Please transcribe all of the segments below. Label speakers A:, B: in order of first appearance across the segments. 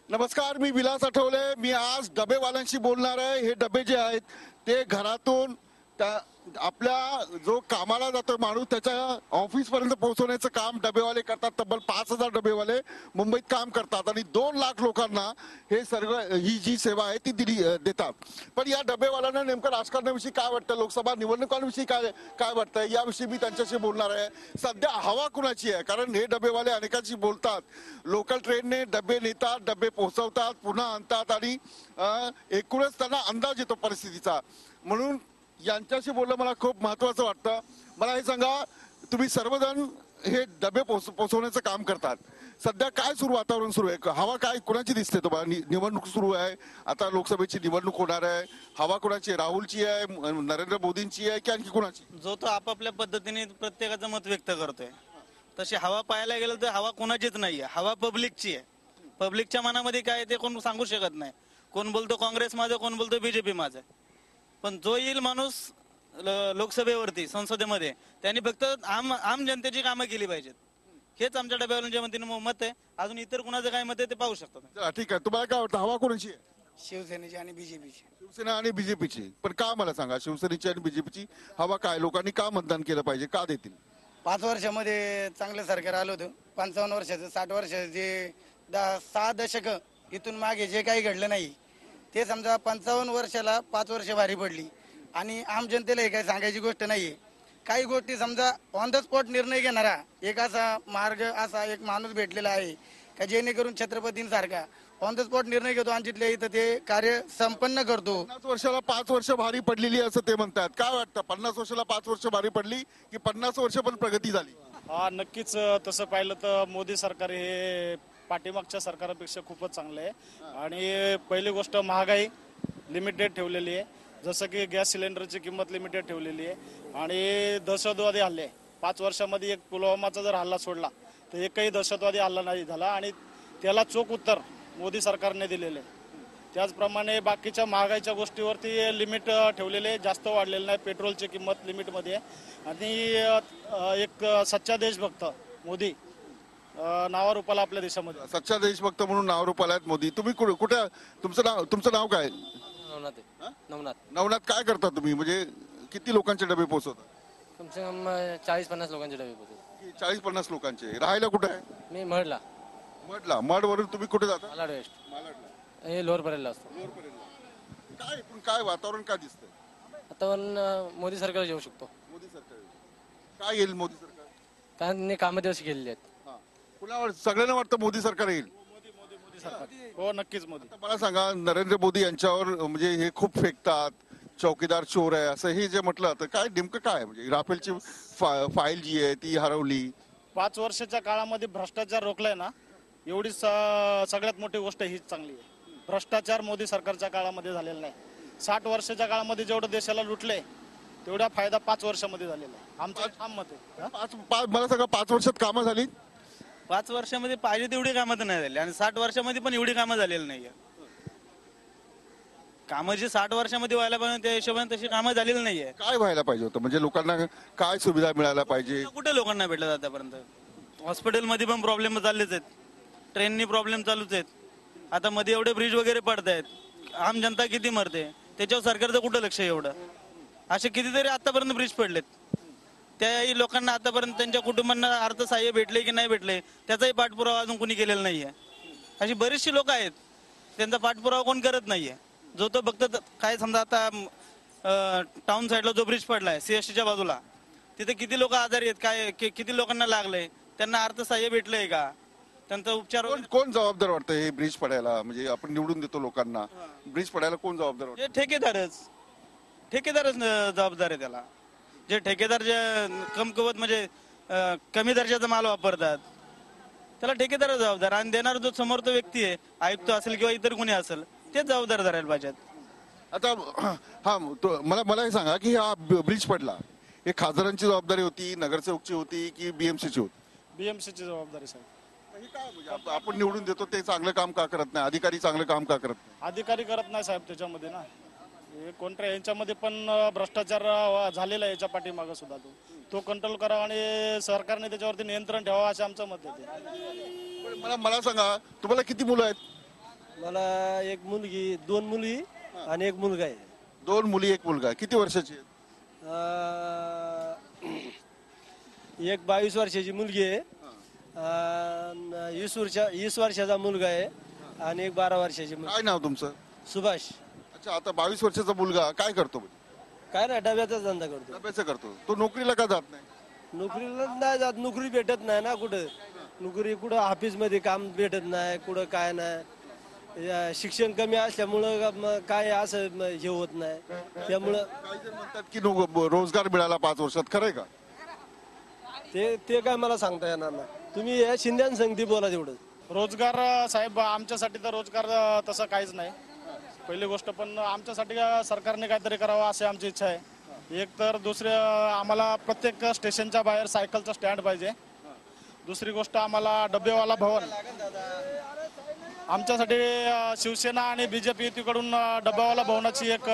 A: नमस्कार, मी विलास आठवले. मी आज डबेवाल्यांशी बोलणार आहे. हे डबे जे आहेत ते घरातून आपल्या जो कामाला जातो माणूस त्याच्या ऑफिस पर्यंत पोहोचवण्याचं काम डबेवाले करतात. तब्बल 5,000 डबेवाले मुंबईत काम करतात आणि 2 लाख लोकांना हे सर्व ही जी सेवा आहे ती देतात. पण या डबेवाल्यांना नेमकं राजकारणाविषयी काय वाटतं, लोकसभा निवडणुकांविषयी काय काय वाटतं याविषयी मी त्यांच्याशी बोलणार आहे. सध्या हवा कुणाची आहे, कारण हे डबेवाले अनेकांशी बोलतात. लोकल ट्रेनने डबे नेतात, डबे पोहोचवतात, पुन्हा आणतात आणि एकूणच त्यांना अंदाज येतो परिस्थितीचा. म्हणून यांच्याशी बोलणं मला खूप महत्वाचं वाटतं. मला हे सांगा, तुम्ही सर्वजण हे डबे पोहोचवण्याचं काम करतात. सध्या काय वातावरण सुरू आहे, हवा काय कुणाची दिसते तुम्हाला? निवडणूक सुरू आहे, आता लोकसभेची निवडणूक होणार आहे. हवा कुणाची, राहुलची आहे, नरेंद्र मोदींची आहे की आणखी कुणाची?
B: जो तो आपापल्या पद्धतीने प्रत्येकाचं मत व्यक्त करतोय. तशी हवा पाहायला गेलं तर हवा कोणाचीच नाहीये, हवा पब्लिकची आहे. पब्लिकच्या मनामध्ये काय ते कोण सांगू शकत नाही. कोण बोलतो काँग्रेस माझं, कोण बोलतो बीजेपी माझं. पण जो येईल माणूस लोकसभेवरती, संसदेमध्ये, त्यांनी फक्त आम जनतेची कामं केली पाहिजेत. हेच आमच्या डब्यावरून म्हणते मत आहे. अजून इतर कुणाचं काय मत आहे ते पाहू शकतात.
A: ठीक आहे, तुम्हाला काय वाटतं हवा कोणाची आहे?
C: शिवसेनेची आणि बीजेपीची.
A: शिवसेना आणि बीजेपीची. पण का, मला सांगा, शिवसेनेची आणि बीजेपीची हवा काय? लोकांनी का मतदान केलं पाहिजे, का देतील?
C: 5 वर्षामध्ये चांगलं सरकार आलं होतं. 55 वर्षाचं, 60 वर्षाचं, जे 6 दशक इथून मागे जे काही घडलं नाही ते समजा 55 वर्षाला 5 वर्ष भारी पडली. आणि आम जनतेला हे काही सांगायची गोष्ट नाहीये. काही गोष्टी समजा ऑन द स्पॉट निर्णय घेणारा एक असा मार्ग, असा एक माणूस भेटलेला आहे का जेणेकरून छत्रपतींसारखा ऑन द स्पॉट निर्णय घेतो आणि तिथल्या इथं ते कार्य संपन्न करतो.
A: 50 वर्षाला 5 वर्ष भारी पडलेली असं ते म्हणतात. काय वाटतं, 50 वर्षाला 5 वर्ष भारी पडली की 50 वर्ष पण प्रगती झाली?
D: हा, नक्कीच. तसं पाहिलं तर मोदी सरकार हे पाठीमागच्या सरकारपेक्षा खूपच चांगलं आहे. आणि पहिली गोष्ट, महागाई लिमिटेड ठेवलेली आहे. जसं की गॅस सिलेंडरची किंमत लिमिटेड ठेवलेली आहे. आणि दहशतवादी हल्ले 5 वर्षामध्ये एक पुलवामाचा जर हल्ला सोडला तर एकही दहशतवादी हल्ला नाही झाला आणि त्याला चोख उत्तर मोदी सरकारने दिलेले. त्याचप्रमाणे बाकीच्या महागाईच्या गोष्टीवरती लिमिट ठेवलेले, जास्त वाढलेलं नाही. पेट्रोलची किंमत लिमिटमध्ये आहे. आणि एक सच्चा देशभक्त मोदी नावारूपाला आपल्या देशामध्ये.
A: सच्चा देशभक्त म्हणून नावारूपाला आहेत मोदी. तुम्ही कुठे, तुमचं नाव काय?
E: नवनाथ.
A: नवनाथ, काय करता तुम्ही, म्हणजे किती लोकांचे डबे पोहोचवता?
E: कम से कम 40-50 लोकांचे डबे पोहोचवतो.
A: 40-50 लोकांचे. राहायला कुठे आहे?
E: मी मडला.
A: मडवरून तुम्ही कुठे जाता?
E: मालाड वेस्ट. हे लोअर परेलला असतो.
A: काय पण काय वातावरण काय दिसतंय?
E: वातावरण मोदी सरकार येऊ शकतो.
A: मोदी सरकार काय येईल? मोदी सरकार
E: त्यांनी कामं दिवस केलेली आहेत.
A: कुणावर सगळ्यांना वाटतं मोदी सरकार येईल?
D: हो, नक्कीच मोदी.
A: मला सांगा, नरेंद्र मोदी यांच्यावर म्हणजे हे खूप फेकतात, चौकीदार चोर आहे असं हे जे म्हटलं, तर काय नेमकं काय, म्हणजे राफेलची फाईल जी आहे ती हरवली.
D: 5 वर्षाच्या काळामध्ये भ्रष्टाचार रोखलाय ना, एवढी सगळ्यात मोठी गोष्ट हीच चांगली आहे. भ्रष्टाचार मोदी सरकारच्या काळामध्ये झालेला नाही. 60 वर्षाच्या काळामध्ये जेवढं देशाला लुटलंय तेवढा फायदा 5 वर्षामध्ये झालेला आहे. आमचं ठाम मत आहे.
A: मला सांगा, 5 वर्षात कामं झाली?
B: 5 वर्षामध्ये पाहिजे तेवढी कामं तर नाही झाली आणि 60 वर्षामध्ये पण एवढी कामं झालेली नाहीये. कामं जी 60 वर्षामध्ये व्हायला पाहिजे त्या हिशोबाने तशी कामं झालेली नाहीये.
A: काय व्हायला पाहिजे होतं, म्हणजे लोकांना काय सुविधा मिळायला पाहिजे?
B: कुठे लोकांना भेटलं आतापर्यंत? हॉस्पिटलमध्ये पण प्रॉब्लेम चाललेच आहेत, ट्रेननी प्रॉब्लेम चालूच आहेत. आता मध्ये एवढे ब्रिज वगैरे पडतायत, आम जनता किती मरते त्याच्यावर सरकारचं कुठं लक्ष आहे? एवढं असे कितीतरी आतापर्यंत ब्रिज पडलेत. त्याही लोकांना आतापर्यंत त्यांच्या कुटुंबांना अर्थसहाय्य भेटले की नाही भेटले त्याचाही पाठपुरावा अजून कोणी केलेला नाहीये. अशी बरीचशी लोक आहेत, त्यांचा पाठपुरावा कोण करत नाहीये. जो तो फक्त काय, समजा आता टाउन साईडला जो ब्रिज पडलाय सीएसटीच्या बाजूला, तिथे किती लोक आजारी आहेत, काय किती लोकांना लागलंय, त्यांना अर्थसहाय्य भेटलंय का, त्यांचा उपचार?
A: कोण जबाबदार वाटतं हे ब्रिज पडायला? म्हणजे आपण निवडून देतो लोकांना, ब्रिज पडायला कोण जबाबदार वाटतं?
B: ठेकेदारच जबाबदार आहे त्याला. जे ठेकेदार जे कमकुवत म्हणजे कमी दर्जाचा माल वापरतात त्याला ठेकेदार जबाबदार, आणि देणारा जो समोर तो व्यक्ती आहे, आयुक्त असेल किंवा इतर कोणी असेल, तेच जबाबदार धरायला पाहिजेत.
A: आता मला हे सांगा की हा ब्रिज पडला, हे खासदारांची जबाबदारी होती, नगरसेवकची होती की बीएमसीची होती?
D: बीएमसीची जबाबदारी साहेब.
A: काय म्हणजे आपण निवडून देतो ते चांगलं काम का करत नाही? अधिकारी चांगलं काम का करत नाही?
D: अधिकारी करत नाही साहेब त्याच्यामध्ये ना. कोणत्या यांच्यामध्ये पण भ्रष्टाचार झालेला आहे याच्या पाठीमागं सुद्धा. तो कंट्रोल करावा आणि सरकारने त्याच्यावरती नियंत्रण ठेवावं असं आमचं मत आहे.
A: मला सांगा, तुम्हाला किती मुलं आहेत?
F: मला एक मुलगी, 2 मुली आणि एक मुलगा आहे.
A: 2 मुली 1 मुलगा. किती वर्षाची आहेत?
F: एक 22 वर्षाची मुलगी आहे, 20 वर्षाचा मुलगा आहे आणि एक 12 वर्षाची मुलगी.
A: काय नाव तुमचं?
F: सुभाष.
A: अच्छा, आता 22 वर्षाचा मुलगा काय करतो?
F: काय ना डब्याचा धंदा करतो.
A: डब्याचं करतो. तो नोकरीला का जात नाही?
F: नोकरीला नाही जात, नोकरी भेटत नाही ना कुठं. नोकरी कुठं ऑफिसमध्ये काम भेटत नाही, कुठं काय नाही. शिक्षण कमी असल्यामुळं काय असं हे होत नाही. त्यामुळं
A: काही जण म्हणतात की रोजगार मिळाला 5 वर्षात. खरंय का?
F: ते काय मला सांगता येणार नाही. तुम्ही या शिंद्यान संगती बोला तेवढं.
D: रोजगार साहेब आमच्यासाठी तर रोजगार तसं काहीच नाही पहिली गोष्ट. पण आमच्यासाठी सरकारने काहीतरी करावं अशी आमची इच्छा आहे. एक तर दुसरे आम्हाला प्रत्येक स्टेशनच्या बाहेर सायकलचं स्टँड पाहिजे. दुसरी गोष्ट आम्हाला डबेवाला भवन. आमच्यासाठी शिवसेना आणि बीजेपी युतीकडून डबेवाला भवनाची एक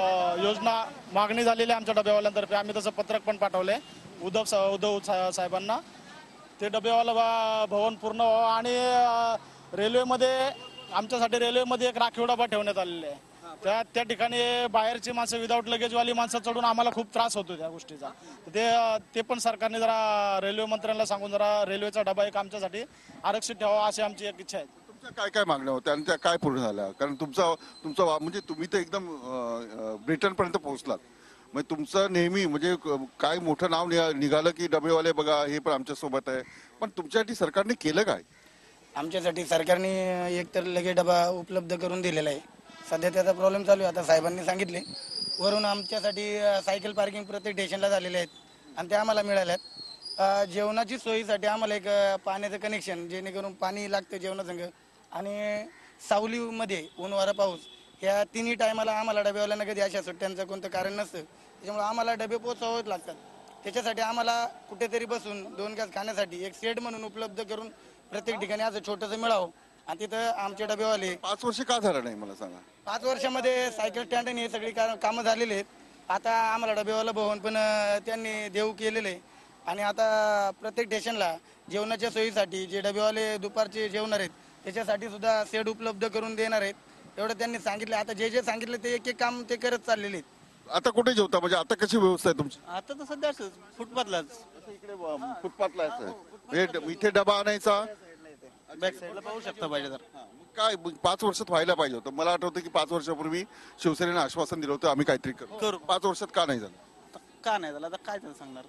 D: योजना मागणी झालेली आहे आमच्या डबेवाल्यांतर्फे. आम्ही तसं पत्रक पण पाठवले उद्धव साहेबांना. ते डबेवाला भवन पूर्ण व्हावं. आणि रेल्वेमध्ये आमच्यासाठी रेल्वेमध्ये एक राखीव डबा ठेवण्यात आलेला आहे. त्या ठिकाणी बाहेरची माणसं विदाऊट लगेजवाली माणसं चढून आम्हाला खूप त्रास होतो त्या गोष्टीचा. ते पण सरकारने जरा रेल्वे मंत्र्यांना सांगून जरा रेल्वेचा डबा एक आमच्यासाठी आरक्षित ठेवावा अशी आमची एक इच्छा आहे.
A: तुमच्या काय काय मागण्या होत्या आणि त्या काय पूर्ण झाल्या? कारण तुमचं म्हणजे तुम्ही तर एकदम ब्रिटनपर्यंत पोहोचलात. म्हणजे तुमचं नेहमी म्हणजे काय मोठं नाव निघालं की डबेवाले बघा हे पण आमच्या सोबत आहे. पण तुमच्यासाठी सरकारने केलं काय?
C: आमच्यासाठी सरकारने एकतर लगेच डबा उपलब्ध करून दिलेला आहे. सध्या त्याचा प्रॉब्लेम चालू आहे. आता साहेबांनी सांगितले वरून आमच्यासाठी सायकल पार्किंग प्रत्येक स्टेशनला झालेले आहेत आणि ते आम्हाला मिळाल्यात. जेवणाची सोयीसाठी आम्हाला एक पाण्याचं कनेक्शन जेणेकरून पाणी लागतं जेवणासंग. आणि सावलीमध्ये ऊन वारा पाऊस ह्या तिन्ही टायमाला आम्हाला डबेवाल्यांना कधी अशा सुट्ट्यांचं कोणतं कारण नसतं. त्याच्यामुळे आम्हाला डबे पोचावंच लागतात. त्याच्यासाठी आम्हाला कुठेतरी बसून 2 घास खाण्यासाठी एक शेड म्हणून उपलब्ध करून प्रत्येक ठिकाणी असं छोटंसं मिळावं. आणि तिथं आमचे डबेवाले
A: 5 वर्ष का झालं नाही मला सांगा?
C: 5 वर्षामध्ये सायकल स्टँड आणि हे सगळी कामं झालेली आहेत. आता आम्हाला डबेवाला भवन पण त्यांनी देऊ केलेले आहे. आणि आता प्रत्येक स्टेशनला जेवणाच्या सोयीसाठी जे डबेवाले दुपारचे जेवणार आहेत त्याच्यासाठी सुद्धा शेड उपलब्ध करून देणार आहेत एवढं त्यांनी सांगितलं. आता जे सांगितलं ते एक काम ते करत चाललेले आहेत.
A: आता कुठे जेवता? म्हणजे आता कशी व्यवस्था आहे तुमची?
B: आता तर सध्या फुटपाथलाच
A: इकडे फुटपाथला म्हणजे इथे डबा आणायचा.
B: बॅक साईडला पाहू शकता पाहिजे तर.
A: काय 5 वर्षात व्हायला पाहिजे होतं. मला आठवतं की 5 वर्षापूर्वी शिवसेनेनं आश्वासन दिलं होतं आम्ही काहीतरी करू. 5 वर्षात का नाही झालं?
B: का नाही झालं आता काय त्याला सांगणार.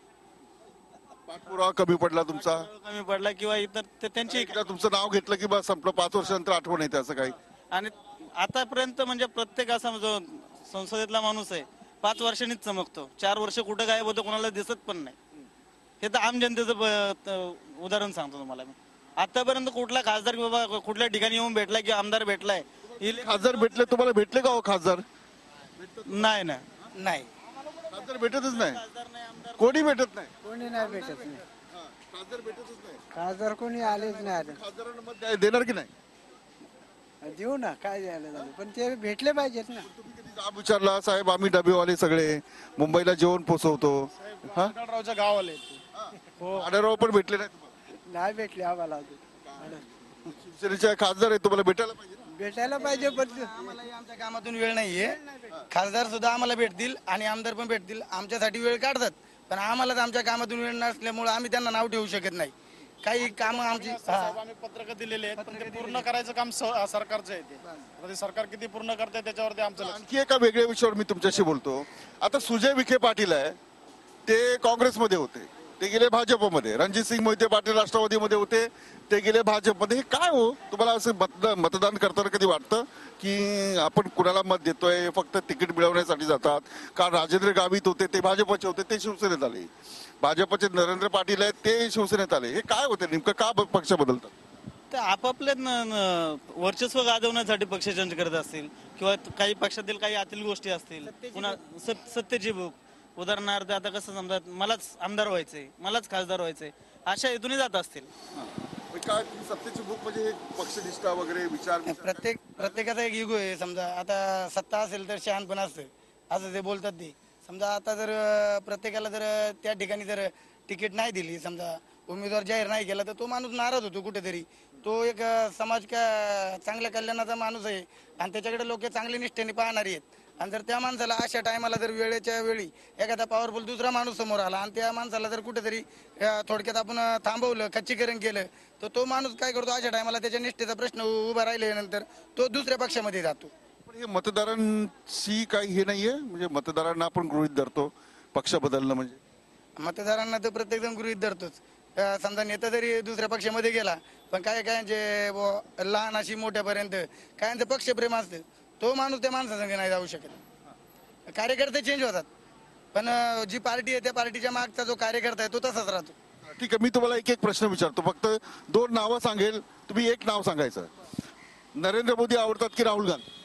A: पाठपुरावा कमी पडला तुमचा?
B: कमी पडला किंवा इतर त्यांची
A: एकदा तुमचं नाव घेतलं की बस संपलं. 5 वर्षानंतर आठवण येते असं काही?
B: आणि आतापर्यंत म्हणजे प्रत्येक असा जो संसदेतला माणूस आहे 5 वर्षांनीच चमकतो. 4 वर्ष कुठं गायब होतं कोणाला दिसत पण नाही. हे तर आम जनतेचं उदाहरण सांगतो तुम्हाला मी. आतापर्यंत कुठला खासदार बाबा कुठल्या ठिकाणी येऊन भेटलाय की आमदार भेटलाय?
A: खासदार भेटले तुम्हाला? भेटले का हो खासदार?
B: नाही ना.
C: नाही
A: खासदार भेटतच नाही. कोणी भेटत नाही.
G: कोणी नाही भेटत नाही.
A: खासदार भेटतच नाही.
G: खासदार कोणी आलेच नाही आले.
A: खासदारांना मत देणार की नाही?
G: देऊ ना काय द्यायला झालं पण ते भेटले पाहिजेत ना.
A: तुम्ही कधी जाब विचारला साहेब आम्ही डबेवाले सगळे मुंबईला जेवण पोचवतो? हा,
D: आढळरावच्या गावाला येते.
A: आढळराव पण भेटले नाही तुम्हाला?
G: नाही भेटले आम्हाला अजून.
A: शिवसेनेचे खासदार आहे तुम्हाला भेटायला पाहिजे ना?
G: भेटायला पाहिजे पण
C: आम्हालाही आमच्या कामातून वेळ नाहीये. खासदार सुद्धा आम्हाला भेटतील आणि आमदार पण भेटतील. आमच्यासाठी वेळ काढतात पण आम्हालाच आमच्या कामातून वेळ नसल्यामुळे आम्ही त्यांना नाव ठेवू शकत नाही. काही कामं आमची
D: साहेब आम्ही पत्रक दिलेले आहेत पण ते पूर्ण करायचं काम सरकारचं आहे. ते सरकार किती पूर्ण करते त्याच्यावरती आमचं लक्ष.
A: आणखी एका वेगळ्या विषयावर मी तुमच्याशी बोलतो. आता सुजय विखे पाटील आहे ते काँग्रेसमध्ये होते, ते गेले भाजपमध्ये. रणजितसिंग मोहिते पाटील राष्ट्रवादीमध्ये होते, ते गेले भाजपमध्ये. हे काय हो तुम्हाला असं मतदान करताना कधी वाटतं की आपण कुणाला मत देतोय? फक्त तिकीट मिळवण्यासाठी जातात. कारण राजेंद्र गावित होते ते भाजपचे होते, ते शिवसेनेत आले. भाजपचे नरेंद्र पाटील आहेत ते शिवसेनेत आले. हे काय होते नेमकं? का पक्ष बदलतात?
B: तर आपापले वर्चस्व गाजवण्यासाठी पक्ष चेंज करत असतील किंवा काही पक्षातील काही आतील गोष्टी असतील. पुन्हा सत्तेची भूक. उदाहरणार्थ आता कसं समजा मलाच आमदार व्हायचंय, मलाच खासदार व्हायचंय, अशा हेतून जात असतील.
A: काय सत्तेची भूक म्हणजे पक्षनिष्ठा वगैरे विचार?
C: प्रत्येकाचा एक इगो आहे. समजा आता सत्ता असेल तर शहाणपण असतं असं ते बोलतात ते. समजा आता जर प्रत्येकाला जर त्या ठिकाणी जर तिकीट नाही दिली समजा उमेदवार जाहीर नाही केला तर तो माणूस नाराज होतो कुठेतरी. तो एक समाज चांगल्या कल्याणाचा माणूस आहे आणि त्याच्याकडे लोक चांगल्या निष्ठेने पाहणारी आहेत. आणि जर त्या माणसाला अशा टायमाला जर वेळेच्या वेळी एखादा पॉवरफुल दुसरा माणूस समोर आला आणि त्या माणसाला जर कुठेतरी थोडक्यात आपण थांबवलं, खच्चीकरण केलं, तर तो माणूस काय करतो, अशा टायमाला त्याच्या निष्ठेचा प्रश्न उभा राहिल्यानंतर तो दुसऱ्या पक्षामध्ये जातो.
A: पण हे मतदारांची काही हे नाहीये, म्हणजे मतदारांना आपण गृहीत धरतो पक्ष बदलणं म्हणजे.
C: मतदारांना तर प्रत्येक जण गृहीत धरतोच. समजा नेता जरी दुसऱ्या पक्षामध्ये गेला, पण काय जे लहान अशी मोठ्यापर्यंत कायांचं पक्षप्रेम असतं, तो माणूस त्या माणसासंग नाही जाऊ शकत. कार्यकर्ते चेंज होतात, पण जी पार्टी आहे त्या पार्टीच्या मागचा जो कार्यकर्ता आहे तो तसाच राहतो.
A: ठीक आहे, मी तुम्हाला एक एक प्रश्न विचारतो, फक्त 2 नावं सांगेल, तुम्ही एक नाव सांगायचं. नरेंद्र मोदी आवडतात की राहुल गांधी?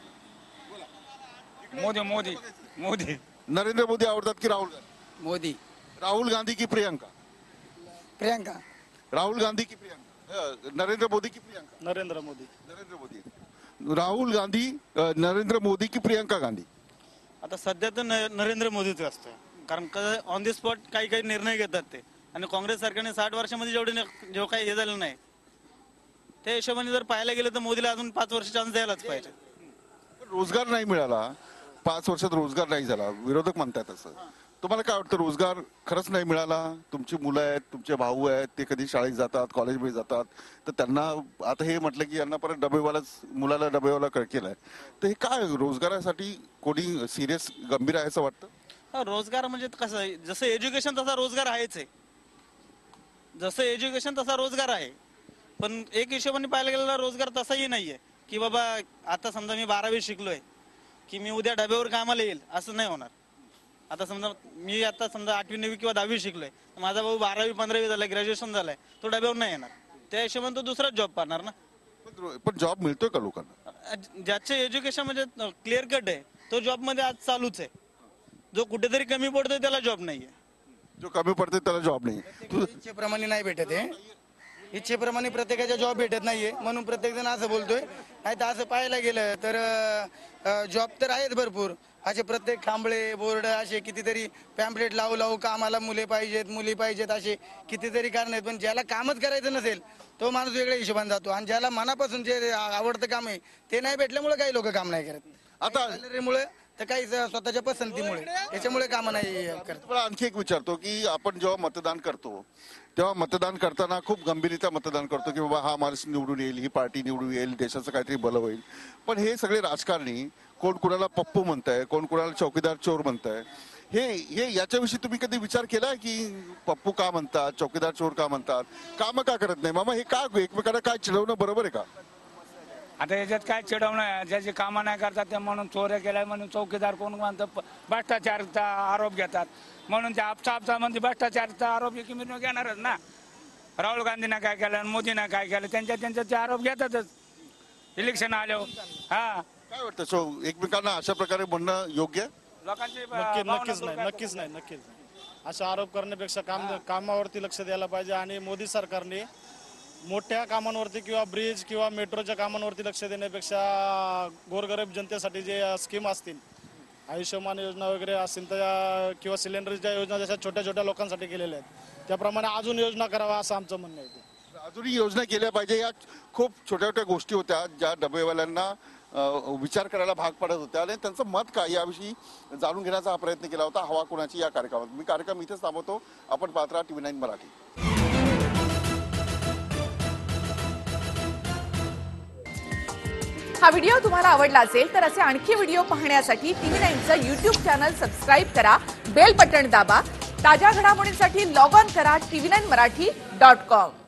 H: मोदी मोदी मोदी
A: नरेंद्र मोदी आवडतात की राहुल गांधी?
C: मोदी.
A: राहुल गांधी की प्रियंका?
C: प्रियंका.
A: राहुल गांधी की प्रियंका? नरेंद्र मोदी की प्रियंका?
D: नरेंद्र मोदी.
A: नरेंद्र मोदी. राहुल गांधी, नरेंद्र मोदी की प्रियंका गांधी?
B: आता सध्या तर नरेंद्र मोदीच असतं, कारण ऑन दी स्पॉट काही काही निर्णय घेतात ते. आणि काँग्रेस सरकारने 60 वर्षामध्ये जेव्हा काही हे झालं नाही, त्या हिशोबाने जर पाहायला गेलं तर मोदीला अजून 5 वर्ष चान्स द्यायलाच पाहिजे.
A: रोजगार नाही मिळाला, 5 वर्षात रोजगार नाही झाला, विरोधक म्हणतात असं. तुम्हाला काय वाटतं, रोजगार खरंच नाही मिळाला? तुमची मुलं आहेत, तुमचे भाऊ आहेत, ते कधी शाळेत जातात, कॉलेजमध्ये जातात, तर त्यांना आता हे म्हटलं की यांना परत डबेवालाच, मुलाला डबेवाला केलाय, तर हे काय रोजगारासाठी कोणी सिरियस गंभीर आहे असं वाटतं?
B: रोजगार म्हणजे कसं आहे, जसं एज्युकेशन तसा रोजगार आहेच आहे. जसं एज्युकेशन तसा रोजगार आहे, पण एक हिशोबाने पाहायला गेलेला रोजगार तसाही नाहीये की बाबा आता समजा मी 12वी शिकलोय की मी उद्या डब्यावर कामाला येईल, असं नाही होणार. आता समजा मी आता समजा 8वी 9वी किंवा 10वी शिकलोय, माझा भाऊ 12वी 15वी झालाय, ग्रॅज्युएशन झालंय, तो डब्यावर नाही येणार. त्या हिशोबाने तो दुसराच जॉब पाहणार ना.
A: पण जॉब मिळतोय का लोकांना?
B: ज्याचे एज्युकेशन म्हणजे क्लिअर कट आहे तो जॉब मध्ये आज चालूच आहे. जो कुठेतरी कमी पडतोय त्याला जॉब नाहीये.
A: जो कमी पडते त्याला जॉब नाही.
C: इच्छेप्रमाणे नाही भेटत आहे, इच्छेप्रमाणे प्रत्येकाच्या जॉब भेटत नाहीये, म्हणून प्रत्येक जण असं बोलतोय. नाही तर असं पाहायला गेलं तर जॉब तर आहेत भरपूर, असे प्रत्येक खांबळे बोर्ड असे कितीतरी पॅम्पलेट लावू कामाला मुली पाहिजेत असे कितीतरी कारण आहेत. पण ज्याला कामच करायचं नसेल तो माणूस वेगळ्या हिशोबाने जातो, आणि ज्याला मनापासून जे आवडतं काम आहे ते नाही भेटल्यामुळे काही लोक काम नाही करत.
A: आता
C: सॅलरीमुळे तर काही स्वतःच्या पसंतीमुळे त्याच्यामुळे काम नाही करत.
A: तुम्हाला आणखी एक विचारतो की आपण जेव्हा मतदान करतो तेव्हा मतदान करताना खूप गंभीरता मतदान करतो की बाबा हा माणूस निवडून येईल, ही पार्टी निवडून येईल, देशाचं काहीतरी भलं होईल. पण हे सगळे राजकारणी कोण कुणाला पप्पू म्हणताय, कोण कुणाला चौकीदार चोर म्हणताय, हे याच्याविषयी तुम्ही कधी विचार केला की पप्पू का म्हणतात, चौकीदार चोर का म्हणतात, काम का करत नाही? मामा हे का एकमेकांना काय चिडवणं बरोबर आहे का?
H: आता याच्यात काय चिडवणं, ज्याची कामं नाही करतात ते म्हणून चोऱ्या केल्या म्हणून चौकीदार कोण म्हणतं भ्रष्टाचारचा आरोप घेतात, म्हणून ते आपचा म्हणजे भ्रष्टाचारचा आरोप एकमेकांवर घेणारच ना. राहुल गांधीनं काय केलं, मोदीनं काय केलं, त्यांच्या ते आरोप घेतातच इलेक्शन आल्यावर. हा
A: काय वाटतं, एकमेकांना अशा प्रकारे म्हणणं योग्य आहे?
H: लोकांची
D: नक्कीच नाही. असा आरोप करण्यापेक्षा कामावरती लक्ष द्यायला पाहिजे. आणि मोदी सरकारने मोठ्या कामांवरती किंवा ब्रिज किंवा मेट्रोच्या कामांवरती लक्ष देण्यापेक्षा गोरगरीब जनतेसाठी जे स्कीम असतील, आयुष्यमान योजना वगैरे असतील तर, किंवा सिलेंडरच्या योजना जशा छोट्या छोट्या लोकांसाठी केलेल्या आहेत त्याप्रमाणे अजून योजना करावा असं आमचं म्हणणं आहे.
A: अजूनही योजना केल्या पाहिजे. या खूप छोट्या छोट्या गोष्टी होत्या ज्या डबेवाल्यांना विचार करायला भाग पडत होत्या, आणि त्यांचं मत काय याविषयी जाणून घेण्याचा हा प्रयत्न केला होता हवा कोणाची या कार्यक्रमात. मी कार्यक्रम इथेच थांबवतो. आपण पाहत राहा TV9 मराठी.
I: हा व्हिडिओ तुम्हाला आवडला असेल तर असे आणखी व्हिडिओ पाहण्यासाठी TV9चं YouTube चॅनल सबस्क्राईब करा, बेल बटण दाबा. ताज्या घडामोडींसाठी लॉग ऑन करा tv9marathi.com.